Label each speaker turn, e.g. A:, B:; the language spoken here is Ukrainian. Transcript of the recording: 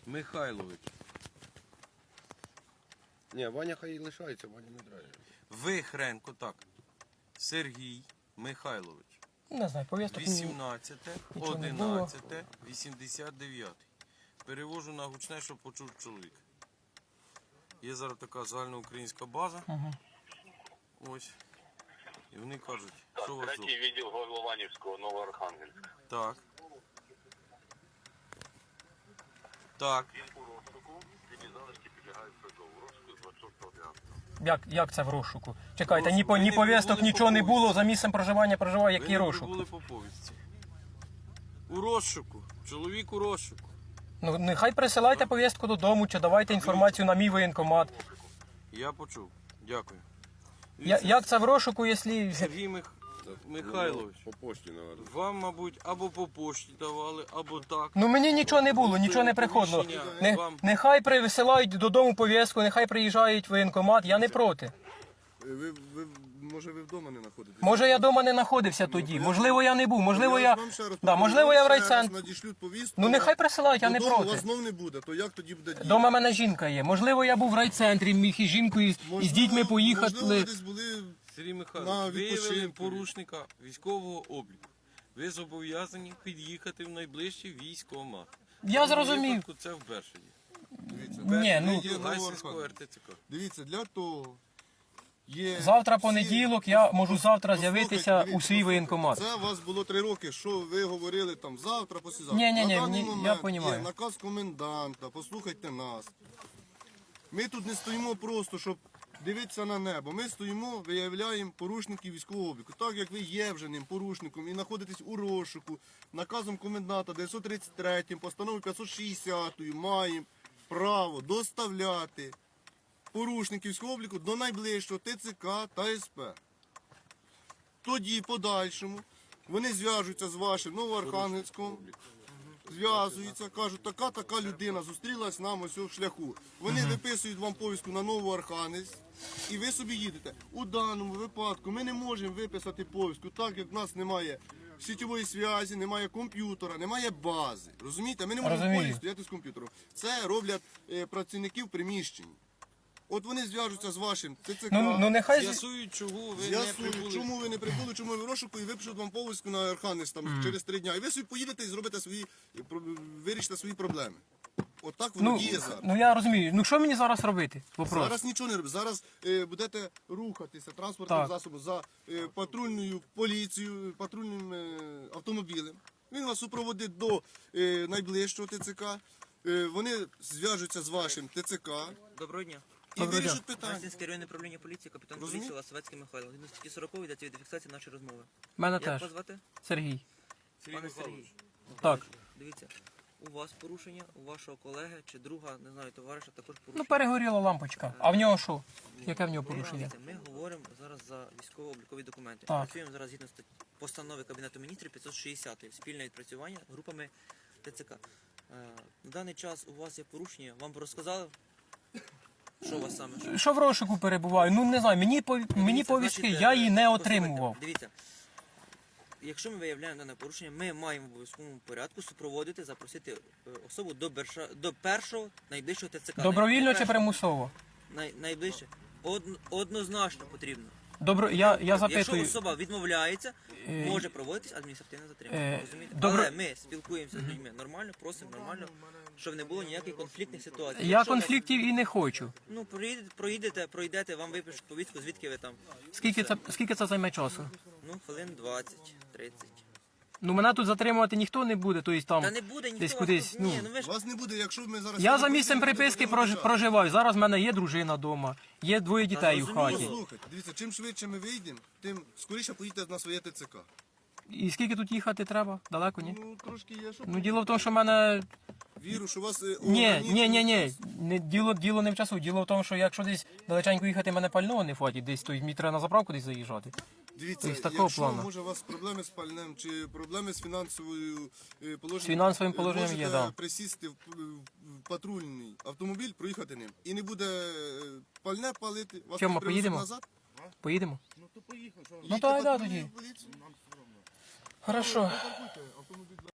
A: Михайлович.
B: Ні, Ваня хай лишається, Ваня не драє.
A: Вихренко, так. Сергій Михайлович.
C: Не знаю, повісток
A: 18,
C: нічого не було.
A: 11, 89. Перевожу на гучне, щоб почув чоловік. Є зараз така загальноукраїнська база. Ось. І вони кажуть, що у вас тут?
D: Третій відділ Горлованівського, Новоархангельська.
A: Так. Так.
D: Він у розшуку, ці залишки підлягають призову. Розшуку з 26.11.
C: Як це в розшуку? Чекайте,
A: Розшук.
C: ні
A: Ви не
C: повісток,
A: прибули
C: нічого
A: по
C: не було,
A: повістці.
C: за місцем проживання проживає, який
A: Ви не
C: розшук?
A: прибули по повістці. У розшуку. Чоловік у розшуку.
C: Ну, нехай присилайте повістку додому, чи давайте інформацію на мій воєнкомат.
A: Я почув. Дякую.
C: Як це в розшуку, якщо...
A: Сергій Михайлович,
B: По почті, мабуть.
A: вам, мабуть, або по пошті давали, або так.
C: Ну мені нічого не було, нічого не приходило. Нехай присилають додому повістку, нехай приїжджають в воєнкомат, я не проти.
B: Може ви вдома не знаходитесь?
C: Може я вдома не знаходився тоді, можливо я не був, можливо я... Да, можливо я в райцентрі.
B: Надішлють повістку.
C: Ну нехай присилають, я не
B: Додому
C: проти.
B: вас знов не буде, то як тоді буде діяти?
C: Дома в мене жінка є, можливо я був в райцентрі, міг із жінкою, і з дітьми поїхати.
B: Можливо, ви десь були...
A: Сергій
B: На
A: Михайлович,
B: відпочинку.
A: виявили порушника військового обліку. Ви зобов'язані під'їхати в найближчий військкомат.
C: Я
A: В
C: зрозумів.
A: випадку це в Бершаді.
B: Дивіться,
C: Ні, ну...
B: є
A: Гайсинського
B: Новоархангельська.
A: РТЦК.
B: Дивіться, для того є...
C: Завтра
B: всі-
C: понеділок, я можу завтра
B: Послухайте,
C: з'явитися
B: дивіться,
C: у свій воєнкомат.
B: Це у вас було 3 роки, що ви говорили там завтра, послезавтра.
C: Ні,
B: На даний
C: я
B: момент
C: понімаю.
B: є наказ коменданта, послухайте нас. Ми тут не стоїмо просто, щоб дивитися на небо. Ми стоїмо, виявляємо порушників військового обліку. Так як ви є вже ним порушником і знаходитесь у розшуку, наказом коменданта 933, постановою 560 маємо право доставляти порушників військового обліку до найближчого ТЦК та СП. Тоді, подальшому, вони зв'яжуться з вашим Новоархангельськом, зв'язуються, кажуть, така людина зустрілась нам ось в шляху. Вони виписують вам повістку на Новоархангельськ, і ви собі їдете. У даному випадку ми не можемо виписати повістку, так як в нас немає сітєвої зв'язі, немає комп'ютера, немає бази. Розумієте? Ми не можемо
C: Розумію.
B: полі стояти з комп'ютером. Це роблять працівники в приміщенні. От вони зв'яжуться з вашим ТЦК.
C: Ну нехай...
A: З'ясують, чого ви не
B: З'ясують,
A: прибули.
B: чому ви не прибули, чому ви в розшуку і випишуть вам повістку на Архангельськ там через 3 дня. І ви собі поїдете і зробите свої, вирішите свої проблеми. Отак воно діє зараз.
C: Ну я розумію. Ну що мені зараз робити? Вопрос.
B: Зараз нічого не робить. Зараз будете рухатися транспортним
C: Так.
B: засобом за патрульною поліцією, патрульним автомобілем. Він вас супроводить до найближчого ТЦК. Вони зв'яжуться з вашим ТЦК
E: Доброго дня.
B: і
C: Доброго
B: вирішать питання.
E: Гайсинське районне управління поліції, капітан
B: Розумію.
E: поліції Ласовецький Михайло. Він статті 40 йдеться від фіксації нашої розмови.
C: Мене
E: Як
C: теж.
E: вас звати?
C: Сергій.
A: Сергій
E: Пане
A: Михайлович.
E: Сергій.
C: Так.
E: Дивіться, у вас порушення, у вашого колеги чи друга, не знаю, товариша також
C: Ну
E: порушення.
C: перегоріла лампочка. А в нього що? Яке в нього порушення?
E: Дивіться, ми говоримо зараз за військово-облікові документи.
C: Так.
E: Працюємо зараз згідно постанови Кабінету міністрів 560 спільне відпрацювання групами ТЦК. На даний час у вас є порушення, вам розказали, що у вас саме?
C: Що в розшуку перебуваю? Ну не знаю, мені
E: Дивіться,
C: повістки,
E: значить,
C: я її не
E: послухайте,
C: отримував.
E: Дивіться, якщо ми виявляємо дане порушення, ми маємо в обов'язковому порядку супроводити, запросити особу до першого найближчого ТЦК.
C: Добровільно чи примусово?
E: Найближче. Однозначно потрібно.
C: Я
E: Якщо
C: запитую.
E: особа відмовляється, може проводитись адміністративне затримання. Розумієте?
C: добро-
E: Але ми спілкуємося з людьми нормально, просимо нормально, щоб не було ніяких конфліктних ситуацій.
C: Я
E: Якщо
C: конфліктів і не хочу.
E: Ну, пройдете, вам випишуть повістку, звідки ви там.
C: Скільки це займе часу?
E: Ну, хвилин 20-30.
C: Ну мене тут затримувати ніхто не буде, тобто там
E: Та не буде ніхто
C: десь
E: вас
C: кудись.
E: тут-
C: Ну.
E: Ні, ну ви ж
B: Вас не буде, якщо ми зараз...
C: Я за місцем приписки проживаю. Зараз в мене є дружина вдома, є 2 дітей у
E: зрозуміло.
C: хаті.
B: Слухайте, дивіться, чим швидше ми вийдемо, тим скоріше поїдете на своє ТЦК.
C: І скільки тут їхати треба? Далеко, ні?
B: Ну, трошки є, що...
C: Ну діло в тому, що в мене...
B: Віру, що у вас...
C: Ні. Діло не в часу. Діло в тому, що якщо десь далеченько їхати, мене пального не хватить, десь то мені треба на заправку десь заїжджати.
B: Дивіться,
C: Тобто, такого
B: якщо
C: плану.
B: може у вас проблеми з пальним чи проблеми з фінансовою положенням,
C: З фінансовим положенням
B: можете
C: є, да.
B: присісти в патрульний автомобіль, проїхати ним. І не буде пальне палити, вас
C: Чому,
B: не привезуть
C: поїдемо?
B: назад.
C: Поїдемо?
B: Їдьте
C: Ну так,
B: в
C: да,
B: патрульну
C: тоді.
B: поліцію.
C: Хорошо.